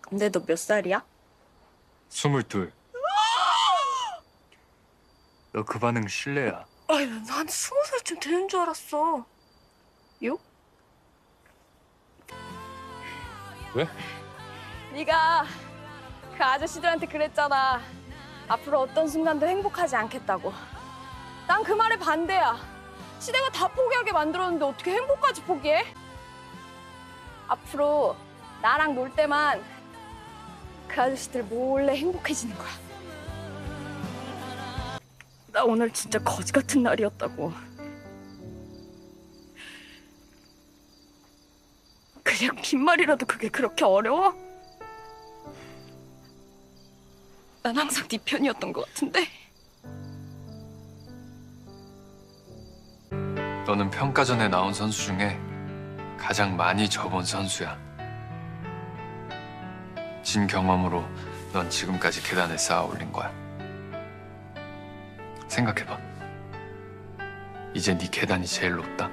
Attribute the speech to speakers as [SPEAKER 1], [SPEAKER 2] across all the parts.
[SPEAKER 1] 근데 너 몇 살이야?
[SPEAKER 2] 22. 너 그 반응 실례야.
[SPEAKER 1] 아니, 난 20살쯤 되는 줄 알았어. 요?
[SPEAKER 2] 왜?
[SPEAKER 1] 네가 그 아저씨들한테 그랬잖아. 앞으로 어떤 순간도 행복하지 않겠다고. 난 그 말에 반대야. 시대가 다 포기하게 만들었는데 어떻게 행복까지 포기해? 앞으로 나랑 놀 때만 그 아저씨들 몰래 행복해지는 거야. 나 오늘 진짜 거지 같은 날이었다고. 그냥 빈말이라도 그게 그렇게 어려워? 난 항상 네 편이었던 것 같은데.
[SPEAKER 2] 너는 평가전에 나온 선수 중에 가장 많이 접은 선수야. 진 경험으로 넌 지금까지 계단을 쌓아 올린 거야. 생각해봐. 이제 네 계단이 제일 높다.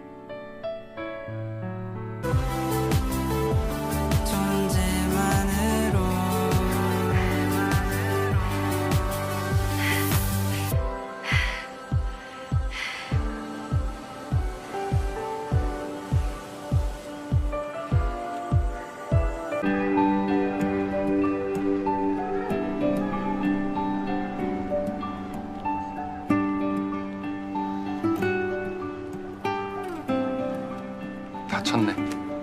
[SPEAKER 2] 다쳤네.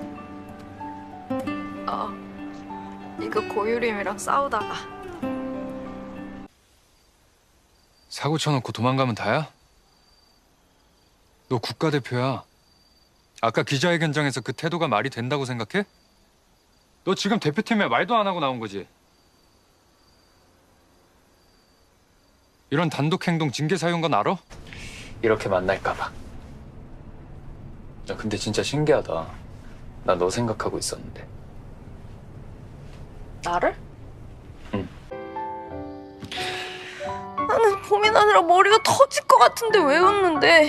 [SPEAKER 1] 이거 고유림이랑 싸우다가.
[SPEAKER 2] 사고 쳐놓고 도망가면 다야? 너 국가대표야. 아까 기자회견장에서 그 태도가 말이 된다고 생각해? 너 지금 대표팀에 말도 안 하고 나온 거지? 이런 단독 행동 징계 사유인 건 알아? 이렇게 만날까 봐. 야, 근데 진짜 신기하다. 나 너 생각하고 있었는데.
[SPEAKER 1] 나를?
[SPEAKER 2] 응.
[SPEAKER 1] 나는 고민하느라 머리가 터질 것 같은데 왜 웃는데?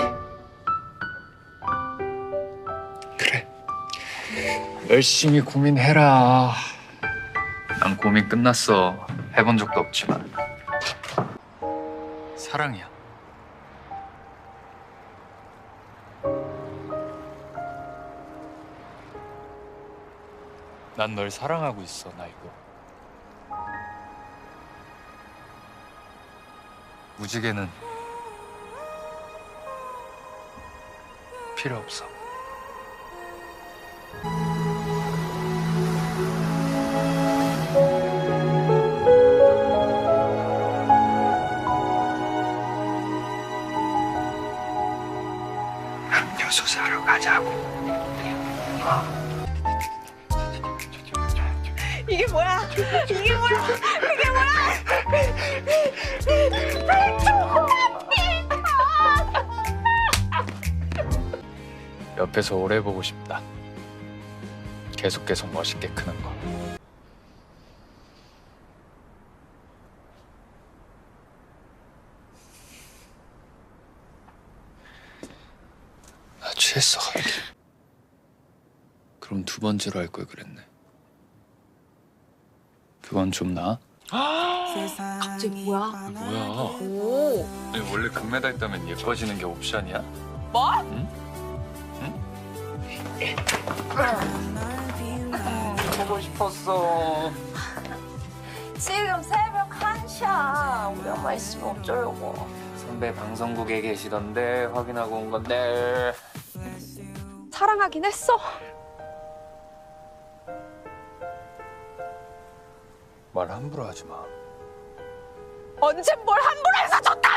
[SPEAKER 2] 그래. 열심히 고민해라. 난 고민 끝났어. 해본 적도 없지만. 사랑이야. 난 널 사랑하고 있어, 나 이거. 무지개는 필요 없어. 음료수 사러 가자고.
[SPEAKER 1] 이게 뭐야? 이게 뭐야? 그게 뭐야?
[SPEAKER 2] 옆에서 오래 보고 싶다. 계속 멋있게 크는 거. 나 취했어, 갑자기. 그럼 두 번째로 할 걸 그랬네. 그건 좀 나아?
[SPEAKER 1] 갑자기 뭐야?
[SPEAKER 2] 뭐야?
[SPEAKER 1] 오.
[SPEAKER 2] 아니, 원래 금메달 따면 예뻐지는 게 옵션이야?
[SPEAKER 1] 뭐?
[SPEAKER 2] 보고 싶었어.
[SPEAKER 1] 지금 새벽 1시야. 우리 엄마 있으면 어쩌려고.
[SPEAKER 2] 선배 방송국에 계시던데 확인하고 온 건데.
[SPEAKER 1] 사랑하긴 했어.
[SPEAKER 2] 말 함부로 하지 마.
[SPEAKER 1] 언제 뭘 함부로 해서 줬다!